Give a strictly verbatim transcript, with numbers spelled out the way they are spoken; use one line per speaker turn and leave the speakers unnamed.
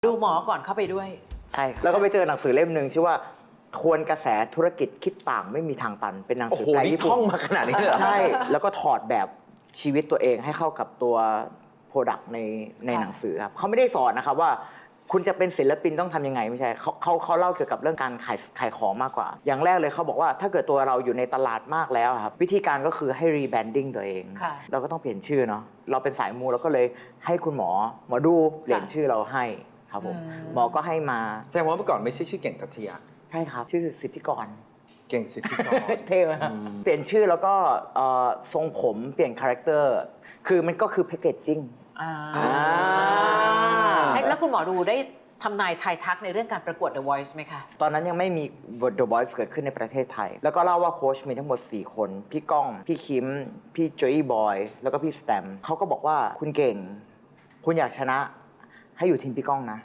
ดูหมอก่อนเข้าไปด้วย
ใช่แล้วก็ไปเจอหนังสือเล่มหนึ่งชื่อว่าทวนกระแสธุรกิจคิดต่างไม่มีทางตันเป็นหนังสือแปลญี่ปุ่น
ท่องมาขนาดนี้เหรอ
ใช่แล้วก็ถอดแบบชีวิตตัวเองให้เข้ากับตัวโปรดักต์ในในหนังสือครับเขาไม่ได้สอนนะครับว่าคุณจะเป็นศิลปินต้องทำยังไงไม่ใช่เขาเขาเขาเล่าเกี่ยวกับเรื่องการขายขายของมากกว่าอย่างแรกเลยเขาบอกว่าถ้าเกิดตัวเราอยู่ในตลาดมากแล้วครับวิธีการก็คือให้รีแบรนดิ้งตัวเองเราก็ต้องเปลี่ยนชื่อเนาะเราเป็นสายมูเราก็เลยให้คุณหมอหมอดูเปลี่ยนชื่อเราให้ครับผมหมอก็ให้มา
แสดงว่าเมื่อก่อนไม่ใช่ชื่อเก่งทัตยา
ใช่ครับชื่อสิทธิกร
เก่งสิทธิกร
เท่ไหมเปลี่ยนชื่อแล้วก็ทรงผมเปลี่ยนคาแรคเตอร์คือมันก็คือแพคเกจจิ้ง
แล้วคุณหมอดูได้ทำนายทายทักในเรื่องการประกวด The Voice ไหมคะ
ตอนนั้นยังไม่มี The Voice เกิดขึ้นในประเทศไทยแล้วก็เล่าว่าโค้ชมีทั้งหมดสี่คนพี่ก้องพี่คิมพี่โจอี้บอยแล้วก็พี่สแตมเขาก็บอกว่าคุณเก่งคุณอยากชนะให้อยู่ทีมพี่ก้องนะ